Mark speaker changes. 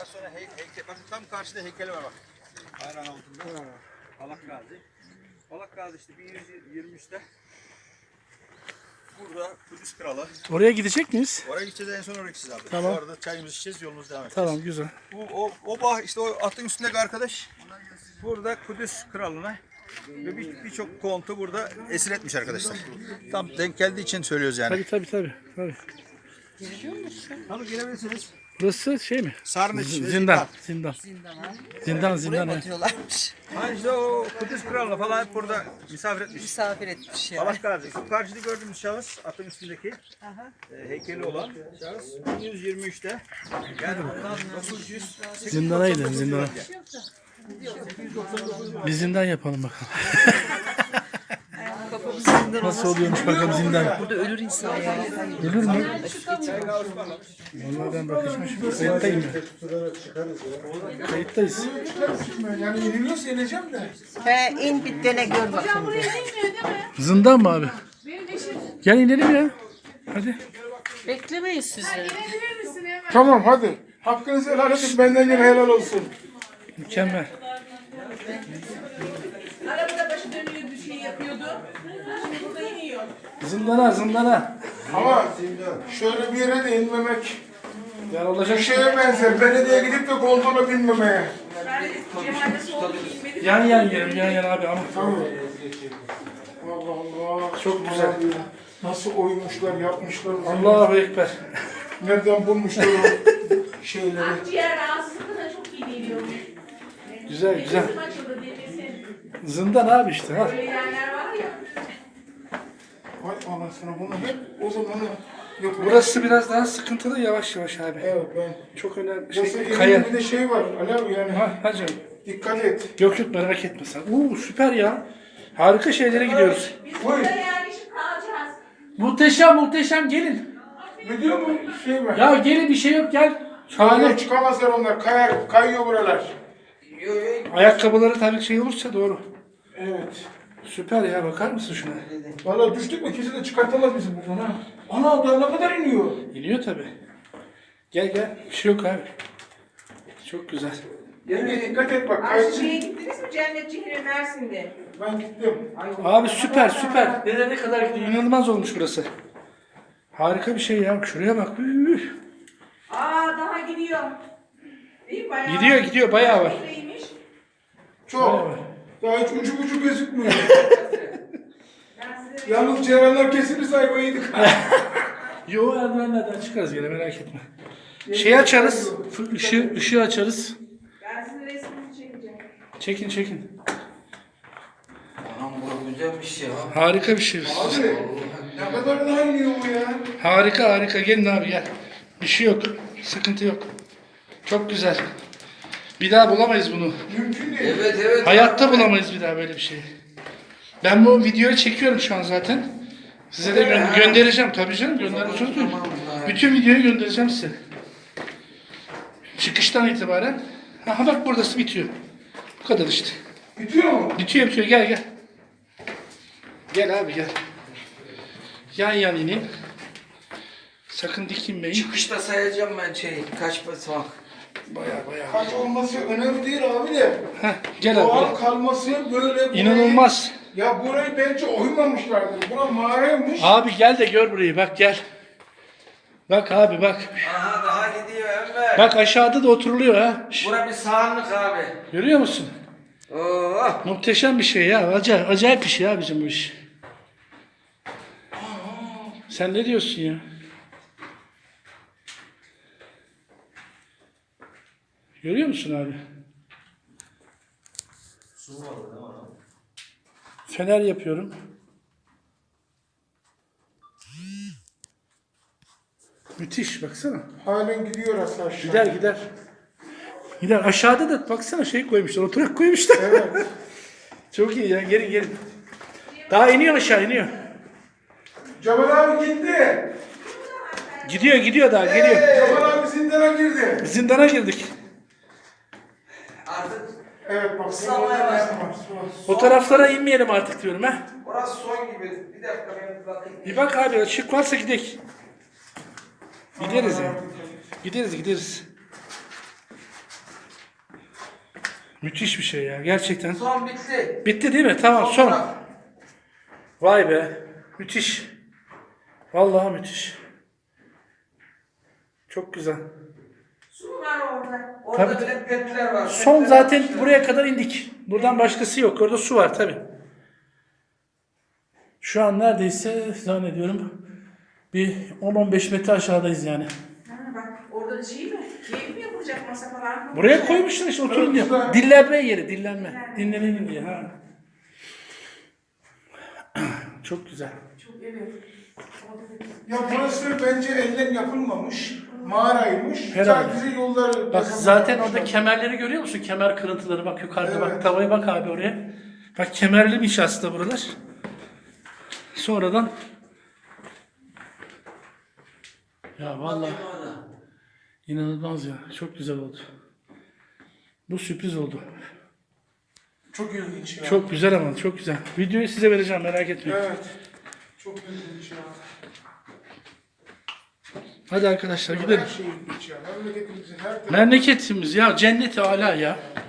Speaker 1: Daha sonra heykel, bak tam karşıda heykeli var bak. Aynen altında. Palak Gazi. Palak Gazi işte 1123'te burada Kudüs Kralı.
Speaker 2: Oraya gidecek miyiz?
Speaker 1: Oraya gideceğiz, en son oraya gideceğiz abi.
Speaker 2: Tamam.
Speaker 1: Orada çayımızı içeceğiz, yolumuz devam edeceğiz.
Speaker 2: Tamam, güzel.
Speaker 1: O bah işte o atın üstündeki arkadaş burada Kudüs Kralı'na ve birçok kontu burada esir etmiş arkadaşlar. Tam denk geldiği için söylüyoruz yani.
Speaker 2: Tabii.
Speaker 1: Tabii girebilirsiniz.
Speaker 2: Burası şey mi?
Speaker 1: Sarnıç.
Speaker 2: Zindan. Zindan. Evet.
Speaker 3: Batıyorlarmış.
Speaker 1: Ha işte o Kudüs Kralı'na falan hep burada misafir etmiş.
Speaker 3: Misafir etmiş ya.
Speaker 1: Palak Gazi. Şu karşıda gördüğümüz şahıs atın üstündeki heykeli olan şahıs 1123'te yani ondan 900
Speaker 2: Zindana gidelim, zindana. Bir zindan yapalım bakalım. Nasıl oluyormuş bakalım zindan.
Speaker 3: Burada ölür insan ya.
Speaker 2: Ölür mü? Vallahi ben bakacağım şimdi. Kayıttayım ben. Kayıttayız.
Speaker 4: Yani yeniliyorsa yeneceğim de.
Speaker 3: He in bir dene gör bakayım.
Speaker 2: Zindan mı abi? Gel inelim ya. Hadi.
Speaker 3: Beklemeyiz sizi.
Speaker 4: Tamam hadi. Hakkınızı helal edin, benden yine helal olsun.
Speaker 2: Mükemmel.
Speaker 5: Arabada başı dönüyor bir şey yapıyordu. Şimdi burada iniyor.
Speaker 2: Zindana.
Speaker 4: Ama şöyle bir yere de inmemek
Speaker 2: Yer olacak.
Speaker 4: bir şeye benzer. Belediye gidip de kontrola binmemeye.
Speaker 5: Cemal'de soğuk giyinmedi.
Speaker 2: Yan yerim abi ama.
Speaker 4: Tamam. Allah Allah.
Speaker 2: Çok güzel.
Speaker 4: Nasıl oymuşlar, yapmışlar.
Speaker 2: Allahu Ekber.
Speaker 4: Nereden bulmuşlar o şeyleri.
Speaker 5: Akciğer rahatsızlığına çok iyi geliyor.
Speaker 2: Güzel.
Speaker 5: Nefesim açıldı nefesim.
Speaker 2: Zindan abi işte. Ha.
Speaker 5: Böyle yerler var ya.
Speaker 4: Ay anasını bunu hep o zaman yapıyor.
Speaker 2: Burası biraz daha sıkıntılı, yavaş abi.
Speaker 4: Evet ben.
Speaker 2: Çok önemli
Speaker 4: Nasıl
Speaker 2: kaya.
Speaker 4: elinde bir de şey var. Alev yani.
Speaker 2: Ha canım.
Speaker 4: Dikkat et.
Speaker 2: Yok merak etme sen. Süper ya. Harika şeylere gidiyoruz.
Speaker 5: Biz burada yerleşip kalacağız.
Speaker 2: Muhteşem gelin.
Speaker 4: Ne diyor mu şey var?
Speaker 2: Ya gelin, bir şey yok, gel.
Speaker 4: Şahane
Speaker 2: Şahane.
Speaker 4: çıkamazlar onlar. Kayıyor buralar.
Speaker 2: Ayakkabıları tabii şey olursa doğru.
Speaker 4: Evet.
Speaker 2: Süper ya, bakar mısın şuna?
Speaker 4: Valla düştük mü kimse de çıkartamaz bizi buradan ha. Ana daha ne kadar iniyor?
Speaker 2: İniyor tabii. Gel. Bir şey yok abi. Çok güzel.
Speaker 4: Yenge dikkat et bak.
Speaker 5: Ayşe'ye gittiniz mi Cennet Cihri Mersin'de?
Speaker 4: Ben gittim.
Speaker 2: Abi süper. Nereye kadar gidiyor? İnanılmaz olmuş burası. Harika bir şey ya. Şuraya bak.
Speaker 5: Daha gidiyor. İyi bayağı.
Speaker 2: Gidiyor bayağı var.
Speaker 5: Neymiş?
Speaker 4: Çok. Daha hiç ucu bucu gözükmüyor.
Speaker 5: Ben size
Speaker 4: Yalnız ceyranlar kesilirse ayvayı yedik.
Speaker 2: Yo, erdivenlerden çıkarız gene, merak etme. Şey açarız. Işığı açarız.
Speaker 5: ben sizin resminizi çekeceğim.
Speaker 2: Çekin.
Speaker 6: Anam bu güzelmiş ya.
Speaker 2: Harika bir şey.
Speaker 4: Abi ne kadar daha iniyor bu ya?
Speaker 2: Harika. Gelin abi gel. Bir şey yok. Sıkıntı yok. Çok güzel. Bir daha bulamayız bunu.
Speaker 4: Mümkün değil.
Speaker 6: Evet.
Speaker 2: Hayatta bulamayız bir daha böyle bir şey. Ben bu videoyu çekiyorum şu an zaten. Size de göndereceğim tabii canım. Göndereceğim. Bütün videoyu göndereceğim size. Çıkıştan itibaren. Aha bak, burası bitiyor. Bu kadar işte.
Speaker 4: Bitiyor mu?
Speaker 2: Bitiyor. Gel. Gel abi gel. Yan inin. Sakın dikinmeyin.
Speaker 6: Çıkışta sayacağım ben kaç basamak.
Speaker 2: Bayağı.
Speaker 4: Kaç olması önemli değil abi de.
Speaker 2: Heh, gel abi.
Speaker 4: Doğal
Speaker 2: Gel.
Speaker 4: kalması böyle.
Speaker 2: İnanılmaz.
Speaker 4: Ya burayı bence oymamışlardır. Bura mağaraymış.
Speaker 2: Abi gel de gör burayı. Bak gel. Bak abi bak.
Speaker 6: Aha daha gidiyor Enver.
Speaker 2: Bak aşağıda da oturuluyor ha. Şş,
Speaker 6: Bura bir sahanlık abi.
Speaker 2: görüyor musun?
Speaker 6: Oh.
Speaker 2: Muhteşem bir şey ya. Acayip bir şey abicim bu iş. Sen ne diyorsun ya? Görüyor musun abi? Fener yapıyorum. Müthiş, baksana.
Speaker 4: Halen gidiyor aşağı.
Speaker 2: Gider. Aşağıda da baksana şey koymuşlar. Oturak koymuşlar.
Speaker 4: Evet.
Speaker 2: Çok iyi ya. Gelin. Daha iniyor aşağı.
Speaker 4: Cemal abi gitti.
Speaker 2: Gidiyor daha. Geliyor.
Speaker 4: Cemal abi zindana girdi.
Speaker 2: Zindana girdik.
Speaker 6: Artık
Speaker 4: Evet bak.
Speaker 6: Islanmaya başladı.
Speaker 2: O taraflara inmeyelim artık diyorum ha.
Speaker 6: burası son gibi. Bir dakika ben bir bakayım.
Speaker 2: Bir bak abi, ışık varsa gidelim. Gideriz ya. Gideriz. Müthiş bir şey ya gerçekten.
Speaker 6: Son bitti.
Speaker 2: Bitti değil mi? Tamam son. Vay be. Müthiş. Vallahi müthiş. Çok güzel.
Speaker 6: Su var orada. Orada
Speaker 2: Tabii.
Speaker 6: bile petler var.
Speaker 2: Son
Speaker 6: Petler
Speaker 2: zaten
Speaker 6: var.
Speaker 2: buraya kadar indik. Buradan başkası yok. Orada su var tabi. Şu an neredeyse zannediyorum bir 10-15 metre aşağıdayız yani.
Speaker 5: Ha, bak orada şey mi? Keyif mi yapılacak masa falan mı?
Speaker 2: Buraya koymuşlar işte oturun diyor.
Speaker 4: güzel.
Speaker 2: Dinlenme yeri, dinlenme. Dinlenelim diye. Ha. Çok güzel.
Speaker 5: Çok evet.
Speaker 4: Ya burası bence elden yapılmamış. Mağaraymış.
Speaker 2: Herhalde.
Speaker 4: Sadece yolları...
Speaker 2: Bak zaten orada kemerleri görüyor musun? Kemer kırıntıları bak yukarıda bak.
Speaker 4: Evet.
Speaker 2: Tavaya bak abi oraya. Bak kemerliymiş aslında buralar. Sonradan ya vallahi inanılmaz ya. Çok güzel oldu. Bu sürpriz oldu.
Speaker 4: Çok ilginç ya.
Speaker 2: Çok güzel ama çok güzel. Videoyu size vereceğim merak etmeyin.
Speaker 4: Evet. Çok ilginç ya.
Speaker 2: Hadi arkadaşlar
Speaker 4: Her
Speaker 2: gidelim.
Speaker 4: şey ilginç ya. Memleketimizin her tarafı.
Speaker 2: Memleketimiz ya cennet-i ala ya.